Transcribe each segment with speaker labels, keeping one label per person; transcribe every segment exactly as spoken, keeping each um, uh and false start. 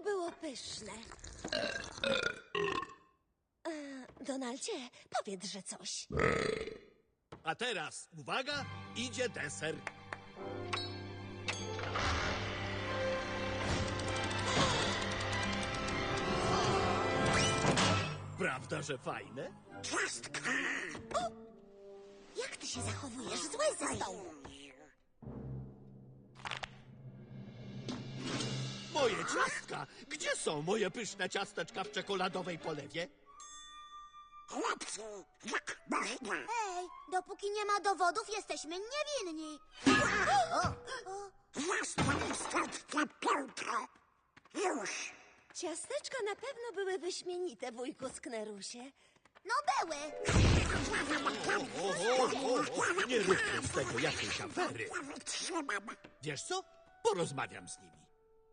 Speaker 1: było pyszne. E, Donaldzie, powiedz, że coś.
Speaker 2: A teraz, uwaga, idzie deser. Prawda, że fajne?
Speaker 3: Ciastka!
Speaker 1: Jak ty się zachowujesz? Złe ze stołu.
Speaker 2: Moje ciastka! Gdzie są moje pyszne ciasteczka w czekoladowej polewie?
Speaker 3: Chłopcy, jak można?
Speaker 1: Ej, dopóki nie ma dowodów, jesteśmy niewinni.
Speaker 3: Zastań stąd tę piłkę! Już!
Speaker 1: Ciasteczka na pewno były wyśmienite, wujku Sknerusie. No były.
Speaker 2: O, o, o, o. Nie róbmy z tego jakiejś afery.
Speaker 3: Ja wytrzymam!
Speaker 2: Wiesz co? Porozmawiam z nimi.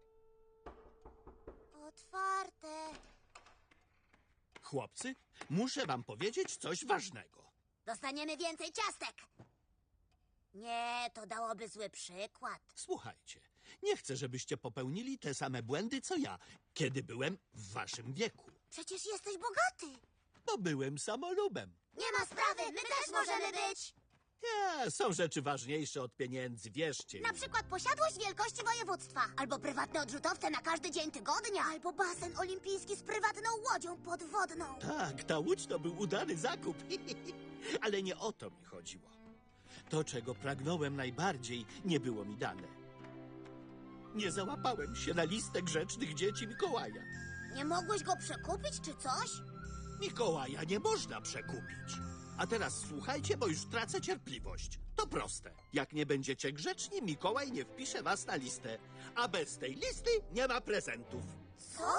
Speaker 1: Otwarte.
Speaker 2: Chłopcy, muszę wam powiedzieć coś ważnego.
Speaker 1: Dostaniemy więcej ciastek. Nie, to dałoby zły przykład.
Speaker 2: Słuchajcie, nie chcę, żebyście popełnili te same błędy, co ja, kiedy byłem w waszym wieku.
Speaker 1: Przecież jesteś bogaty.
Speaker 2: Bo byłem samolubem.
Speaker 1: Nie ma sprawy, my też możemy być.
Speaker 2: Ja, są rzeczy ważniejsze od pieniędzy, wierzcie mi.
Speaker 1: Na przykład posiadłość wielkości województwa. Albo prywatne odrzutowce na każdy dzień tygodnia. Albo basen olimpijski z prywatną łodzią podwodną.
Speaker 2: Tak, ta łódź to był udany zakup. Ale nie o to mi chodziło. To, czego pragnąłem najbardziej, nie było mi dane. Nie załapałem się na listę grzecznych dzieci Mikołaja.
Speaker 1: Nie mogłeś go przekupić czy coś?
Speaker 2: Mikołaja nie można przekupić. A teraz słuchajcie, bo już tracę cierpliwość. To proste. Jak nie będziecie grzeczni, Mikołaj nie wpisze was na listę. A bez tej listy nie ma prezentów.
Speaker 1: Co?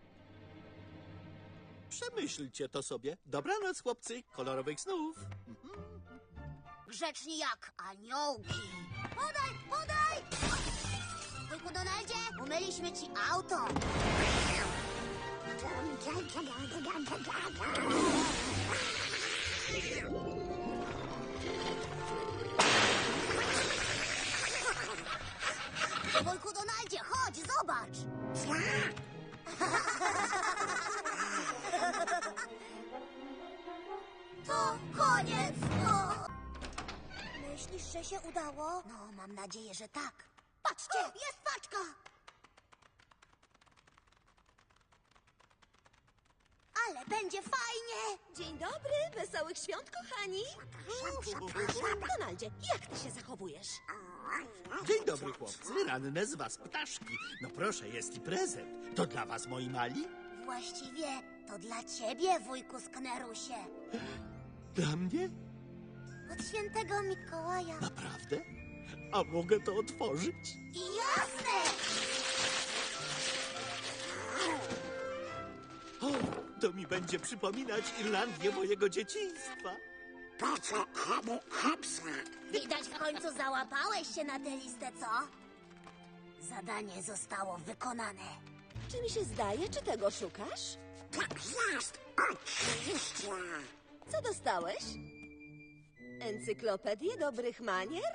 Speaker 2: Przemyślcie to sobie. Dobranoc, chłopcy. Kolorowych snów.
Speaker 1: Grzeczni jak aniołki. Podaj, podaj! Wujku Donaldzie, umyliśmy ci auto. Wujku Donaldzie, chodź, zobacz. To koniec. O! Myślisz, że się udało? No, mam nadzieję, że tak. Patrzcie, jest paczka. Ale będzie fajnie. Dzień dobry, wesołych świąt, kochani. Donaldzie, jak ty się zachowujesz?
Speaker 2: Dzień dobry, chłopcy. Ranne z was ptaszki. No proszę, jest i prezent. To dla was, moi mali?
Speaker 1: Właściwie to dla ciebie, wujku Sknerusie.
Speaker 2: Dla mnie?
Speaker 1: Od świętego Mikołaja.
Speaker 2: Naprawdę? A mogę to otworzyć?
Speaker 1: Jasne!
Speaker 2: O, to mi będzie przypominać Irlandię mojego dzieciństwa.
Speaker 3: Po co komu hapsa?
Speaker 1: Widać, w końcu załapałeś się na tę listę, co? Zadanie zostało wykonane. Czy mi się zdaje, czy tego szukasz?
Speaker 3: Tak jest! Oczywiście!
Speaker 1: Co dostałeś? Encyklopedię dobrych manier?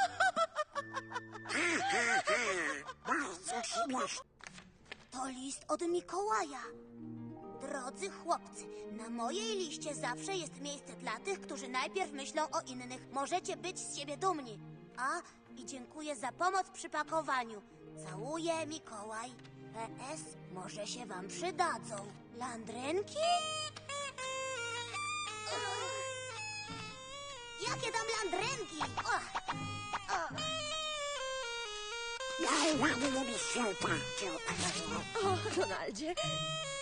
Speaker 3: Bardzo śmieszne!
Speaker 1: To list od Mikołaja. Drodzy chłopcy, na mojej liście zawsze jest miejsce dla tych, którzy najpierw myślą o innych. Możecie być z siebie dumni. A, i dziękuję za pomoc przy pakowaniu. Całuję, Mikołaj. P S może się wam przydadzą. Landrynki? Jakie tam landrynki? O, o.
Speaker 3: Ja ładnie mi się tańczył.
Speaker 1: O, Donaldzie,